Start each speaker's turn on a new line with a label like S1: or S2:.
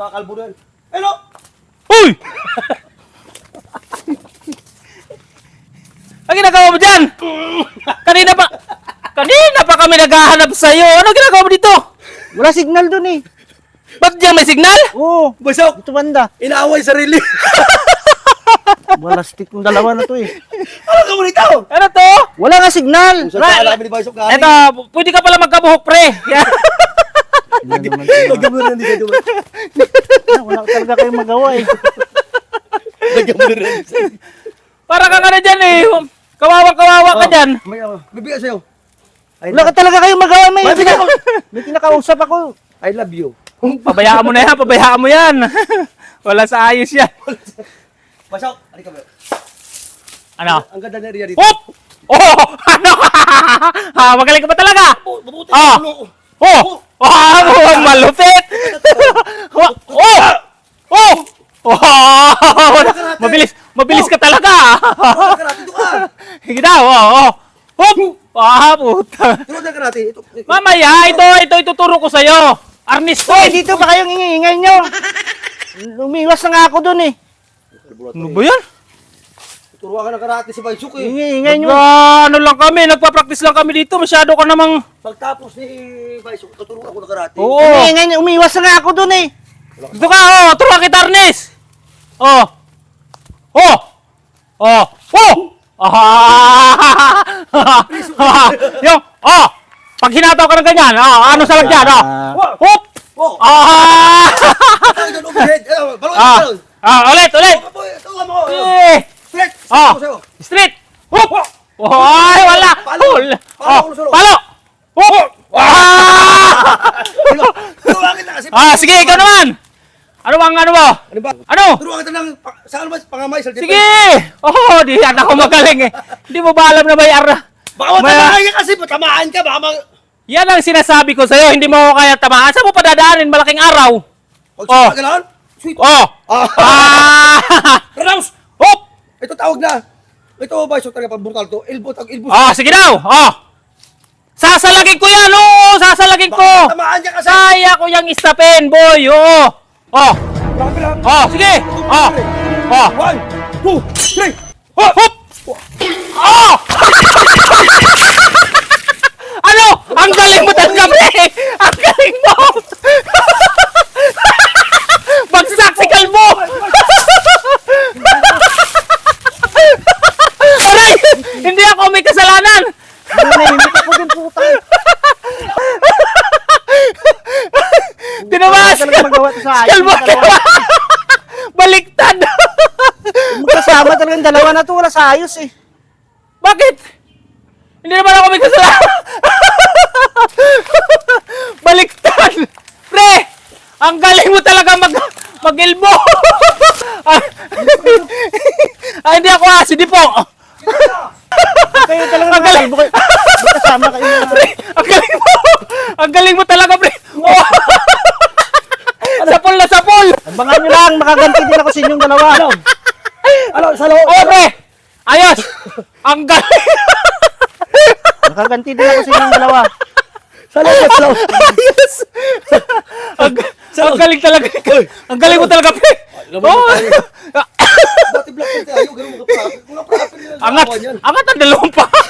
S1: kalbo na yan. Hello!
S2: Uy! Ang ginagawa mo dyan? Kanina pa kami naghahanap sa'yo. Ano ginagawa mo dito?
S3: Wala signal dun eh.
S2: Ba't diyan may signal?
S3: Oo,
S1: Basok!
S3: ito banda.
S1: Inaaway sarili.
S3: Wala stick ng dalawa na to eh.
S1: Ano ka mo nito?
S2: Ano to?
S3: Wala nga signal.
S1: Sa sala kami ni Basok galing.
S2: Eto, pwede ka pala magkabuhok, pre. Yan.
S1: Lagyan mo na dito.
S3: Wala talaga kayong magawa eh.
S1: Lagyan mo na dito.
S2: Para ka nga na dyan eh. Kawawa ka dyan.
S1: May bigas sa'yo.
S3: Wala ka talaga kayong magawa.
S1: May
S3: May kinakausap ako.
S1: I love you.
S2: Pabayaan mo na yan, pabayaan mo yan. Wala sa ayos yan.
S1: Basok, halika ba?
S2: Ano?
S1: Ang ganda na area dito.
S2: Hop! Oh! Ano? Ha, magaling ka ba talaga?
S1: Mabuti
S2: Ah!
S1: ang ulo ko.
S2: Oh! Oh! Malupit! Oh! Oh! Oh! Mabilis ka talaga.
S1: Turuan ka natin, ito ka.
S2: Sige daw, oh! Hop! Ah, puta.
S1: Turuan ka natin. Ito.
S2: Mamaya, ito ituturo ko sa'yo. Arnis to.
S3: Hoy, dito ba kayong ingay nyo? Umiwas na nga ako dun eh.
S2: Ano ba yan?
S1: Turuan ka ng karate si Basok eh.
S3: Ingay nyo.
S2: Ano lang kami, nagpa-practice lang kami dito. Masyado ka namang...
S1: Pagtapos ni Basok, tuturuan ako ng karate.
S2: Oo.
S3: Ingay nyo. Umiwas na nga ako dun eh.
S2: Dito ka, oh! Turuan kita, Arnis! Oh! Oh! Oh! Oh! Ah! Yung, oh! Pag hinataw ka ng ganyan, ano sa lagyan, oh! Hop!
S1: Oh!
S2: Ah!
S1: Ang ganda overhead. Balon,
S2: Ah!
S1: balon.
S2: Ulit!
S1: Turuan mo.
S2: Eh!
S1: Flex.
S2: Oh!
S1: Sa'yo.
S2: Street! Hop! Oh, ay, wala!
S1: Palo!
S2: Hul!
S1: Palo,
S2: Oh!
S1: ulo-sulo.
S2: Palo! Hop! Ah!
S1: Turuan kita kasi.
S2: Sige, ikaw naman! Ano ba?
S1: Ano ba?
S2: Ano?
S1: Turuan kita ng saan ba pangamay sa
S2: Sige! Oh, di yan ako magaling eh. Hindi mo ba alam na may
S1: Baka matamaan ka kasi, matamaan ka. Baka
S2: Yan ang sinasabi ko sa'yo, hindi mo ako kaya tamaan. Saan mo padadaanin malaking araw? Oh.
S1: Pagkagalaan? Sweet.
S2: Oh! Ah!
S1: Renounce!
S2: Hop!
S1: Ito tawag na. Ito ba, so talaga pag brutal to. Elbow.
S2: Oh, sige daw! Oh! Sasalagin ko yan! Oo! Sasalagin ko!
S1: Baka matamaan ka kasi.
S2: Kaya ko yung istapin, boy! Oo! Oh!
S1: Baka bilang.
S2: Oh, sige! Oh! Oh!
S1: 1, 2, 3.
S2: Hop! Hop! Oh! Ano? Ang galing mo talaga, pre! Ang galing mo! Bagsak si Kalbo! Aray! Hindi ako may kasalanan!
S3: Nanahimik ako din puta.
S2: Tinawas!
S3: Wala talaga magawa to sa ayos.
S2: Kalbo! Baliktad!
S3: Magkasama talagang dalawa na to. Wala sa ayos eh.
S2: Bakit? Hindi naman ako may kasalanan! Baliktad! Pre! Ang galing mo talaga mag-elbow! Hindi ako hindi po!
S3: Kayo talaga
S2: Ang galing!
S3: magkasama kayo.
S2: Pre! Ang galing mo! Ang galing mo talaga, pre! Oh! Sapol na sapol!
S3: Abangan nyo lang. Makaganti din ako sa inyong dalawa.
S1: Ano, sa loob?
S2: Oh, pre! Ayos! Ang galing!
S3: Makaganti din ako sa inyong dalawa.
S1: Sa loob.
S2: Ayos! Ang galing talaga! Ang galing mo talaga, pre! Oh!
S1: Dati black belt tayo, ganun mga kapatid. Mga kapatid nila sa
S2: Angat!
S1: awan yan.
S2: Angat ang dalawang pa!